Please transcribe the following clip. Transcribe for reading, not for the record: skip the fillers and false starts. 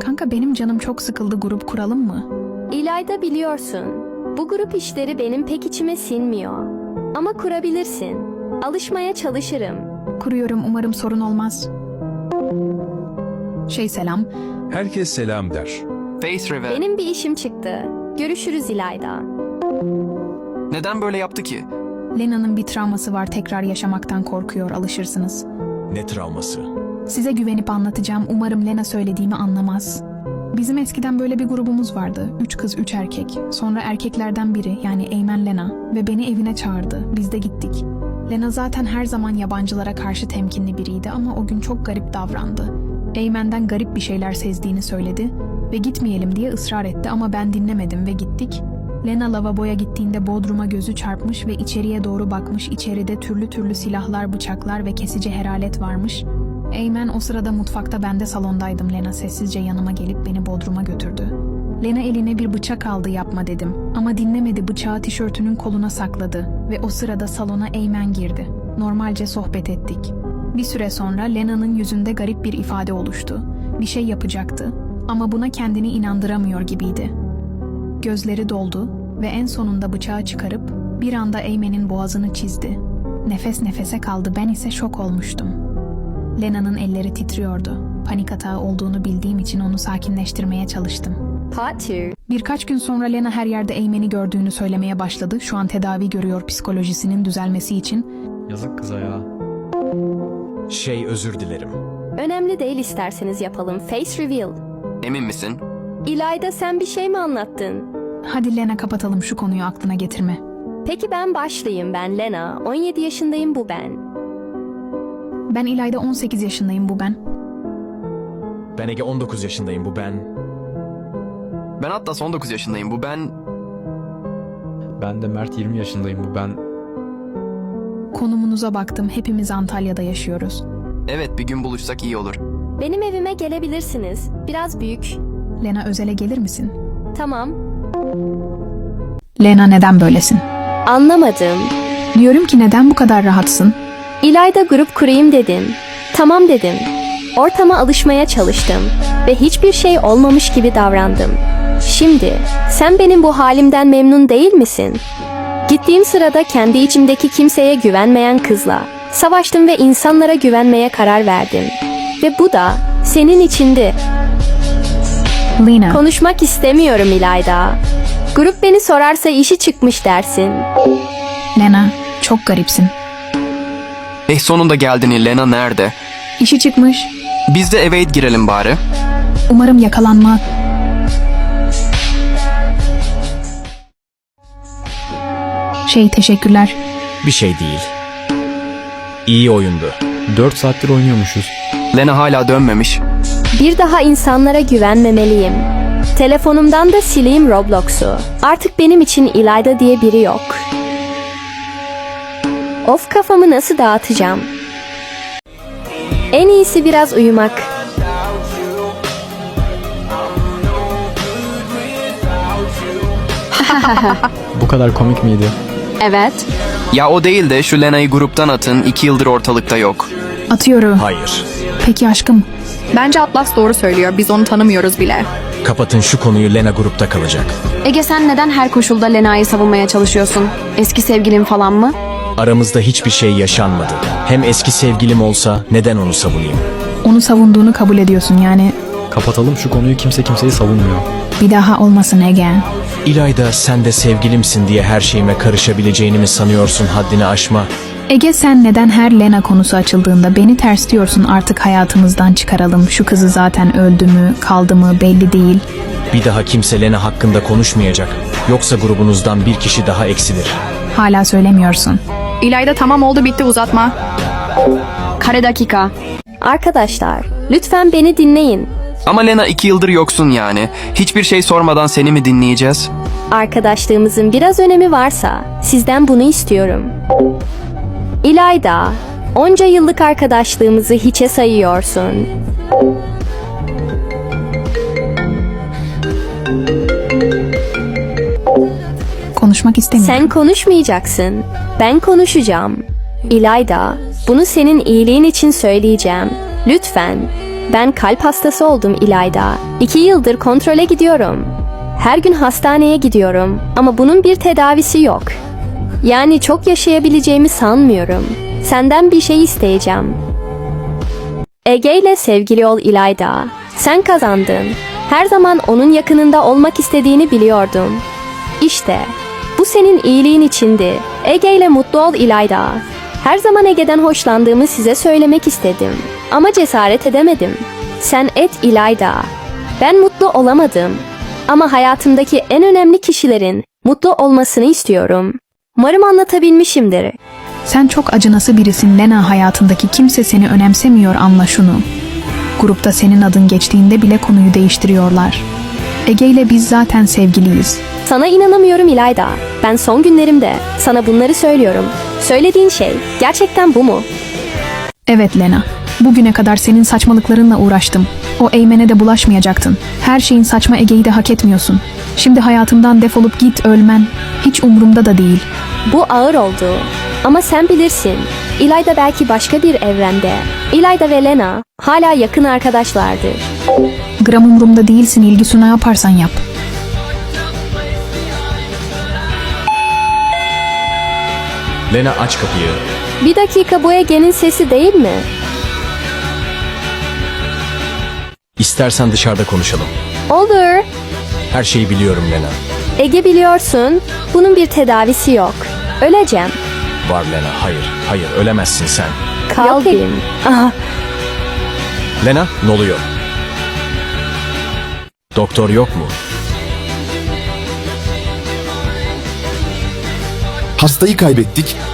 Kanka benim canım çok sıkıldı, grup kuralım mı? İlayda, biliyorsun, bu grup işleri benim pek içime sinmiyor. Ama kurabilirsin. Alışmaya çalışırım. Kuruyorum, umarım sorun olmaz. Selam. Herkes selam der. Face reveal. Benim bir işim çıktı. Görüşürüz İlayda. Neden böyle yaptı ki? Lena'nın bir travması var, tekrar yaşamaktan korkuyor, alışırsınız. Ne travması? Size güvenip anlatacağım, umarım Lena söylediğimi anlamaz. Bizim eskiden böyle bir grubumuz vardı. 3 kız 3 erkek. Sonra erkeklerden biri, yani Eymen Lena ve beni evine çağırdı. Biz de gittik. Lena zaten her zaman yabancılara karşı temkinli biriydi ama o gün çok garip davrandı. Eymen'den garip bir şeyler sezdiğini söyledi ve gitmeyelim diye ısrar etti ama ben dinlemedim ve gittik. Lena lavaboya gittiğinde bodruma gözü çarpmış ve içeriye doğru bakmış. İçeride türlü türlü silahlar, bıçaklar ve kesici heralet varmış. Eymen o sırada mutfakta, ben de salondaydım. Lena sessizce yanıma gelip beni bodruma götürdü. Lena eline bir bıçak aldı, yapma dedim. Ama dinlemedi, bıçağı tişörtünün koluna sakladı ve o sırada salona Eymen girdi. Normalce sohbet ettik. Bir süre sonra Lena'nın yüzünde garip bir ifade oluştu. Bir şey yapacaktı ama buna kendini inandıramıyor gibiydi. Gözleri doldu ve en sonunda bıçağı çıkarıp bir anda Eymen'in boğazını çizdi. Nefes nefese kaldı, ben ise şok olmuştum. Lena'nın elleri titriyordu. Panik atağı olduğunu bildiğim için onu sakinleştirmeye çalıştım. Part 2. Birkaç gün sonra Lena her yerde Eymen'i gördüğünü söylemeye başladı. Şu an tedavi görüyor psikolojisinin düzelmesi için. Yazık kıza ya. Özür dilerim. Önemli değil, isterseniz yapalım. Face reveal. Emin misin? İlayda, sen bir şey mi anlattın? Hadi Lena, kapatalım şu konuyu, aklına getirme. Peki ben başlayayım. Ben Lena. 17 yaşındayım, bu ben. Ben İlayda, 18 yaşındayım, bu ben. Ben Ege, 19 yaşındayım, bu ben. Ben Atlas, 19 yaşındayım, bu ben. Ben de Mert, 20 yaşındayım, bu ben. Konumunuza baktım, hepimiz Antalya'da yaşıyoruz. Evet, bir gün buluşsak iyi olur. Benim evime gelebilirsiniz. Biraz büyük. Lena, özele gelir misin? Tamam. Lena, neden böylesin? Anlamadım. Diyorum ki neden bu kadar rahatsın? İlayda, grup kurayım dedim. Tamam dedim. Ortama alışmaya çalıştım ve hiçbir şey olmamış gibi davrandım. Şimdi sen benim bu halimden memnun değil misin? Gittiğim sırada kendi içimdeki kimseye güvenmeyen kızla savaştım ve insanlara güvenmeye karar verdim. Ve bu da senin içindi. Lena, Konuşmak istemiyorum İlayda. Grup beni sorarsa işi çıkmış dersin. Lena, çok garipsin. Sonunda geldin. Lena nerede? İşi çıkmış. Biz de eve girelim bari. Umarım yakalanma. Teşekkürler. Bir şey değil. İyi oyundu. 4 saattir oynuyormuşuz. Lena hala dönmemiş. Bir daha insanlara güvenmemeliyim. Telefonumdan da sileyim Roblox'u. Artık benim için İlayda diye biri yok. Of, kafamı nasıl dağıtacağım? En iyisi biraz uyumak. Bu kadar komik miydi? Evet. Ya o değil de şu Lena'yı gruptan atın, 2 yıldır ortalıkta yok. Atıyorum. Hayır. Peki aşkım. Bence Atlas doğru söylüyor. Biz onu tanımıyoruz bile. Kapatın şu konuyu, Lena grupta kalacak. Ege, sen neden her koşulda Lena'yı savunmaya çalışıyorsun? Eski sevgilin falan mı? Aramızda hiçbir şey yaşanmadı. Hem eski sevgilim olsa neden onu savunayım? Onu savunduğunu kabul ediyorsun yani. Kapatalım şu konuyu, kimse kimseyi savunmuyor. Bir daha olmasın Ege. İlayda, sen de sevgilimsin diye her şeyime karışabileceğini mi sanıyorsun? Haddini aşma. Ege, sen neden her Lena konusu açıldığında beni tersliyorsun? Artık hayatımızdan çıkaralım. Şu kızı zaten öldü mü, kaldı mı belli değil. Bir daha kimse Lena hakkında konuşmayacak. Yoksa grubunuzdan bir kişi daha eksilir. Hala söylemiyorsun. İlayda, tamam oldu, bitti, uzatma. Kare dakika. Arkadaşlar, lütfen beni dinleyin. Ama Lena, 2 yıldır yoksun yani. Hiçbir şey sormadan seni mi dinleyeceğiz? Arkadaşlığımızın biraz önemi varsa sizden bunu istiyorum. İlayda, onca yıllık arkadaşlığımızı hiçe sayıyorsun. Konuşmak istemiyorum. Sen konuşmayacaksın. Ben konuşacağım. İlayda, bunu senin iyiliğin için söyleyeceğim. Lütfen Ben kalp hastası oldum İlayda. 2 yıldır kontrole gidiyorum. Her gün hastaneye gidiyorum ama bunun bir tedavisi yok. Yani çok yaşayabileceğimi sanmıyorum. Senden bir şey isteyeceğim. Ege ile sevgili ol İlayda. Sen kazandın. Her zaman onun yakınında olmak istediğini biliyordum. İşte bu senin iyiliğin içindi. Ege ile mutlu ol İlayda. Her zaman Ege'den hoşlandığımı size söylemek istedim. Ama cesaret edemedim. Sen et İlayda. Ben mutlu olamadım. Ama hayatımdaki en önemli kişilerin mutlu olmasını istiyorum. Umarım anlatabilmişimdir. Sen çok acınası birisin Lena, hayatındaki kimse seni önemsemiyor, anla şunu. Grupta senin adın geçtiğinde bile konuyu değiştiriyorlar. Ege ile biz zaten sevgiliyiz. Sana inanamıyorum İlayda. Ben son günlerimde sana bunları söylüyorum. Söylediğin şey gerçekten bu mu? Evet Lena, bugüne kadar senin saçmalıklarınla uğraştım. O Eymen'e de bulaşmayacaktın. Her şeyin saçma Ege'yi de hak etmiyorsun. Şimdi hayatımdan defolup git, ölmen hiç umurumda da değil. Bu ağır oldu. Ama sen bilirsin. İlayda belki başka bir evrende. İlayda ve Lena hala yakın arkadaşlardır. Gram umurumda değilsin, İlgisu, ne yaparsan yap. Lena, aç kapıyı. Bir dakika, bu Ege'nin sesi değil mi? İstersen dışarıda konuşalım. Olur. Her şeyi biliyorum Lena. Ege, biliyorsun bunun bir tedavisi yok. Öleceğim. Var Lena, hayır ölemezsin sen. Kalbim. Ah, Lena, ne oluyor? Doktor yok mu? Hastayı kaybettik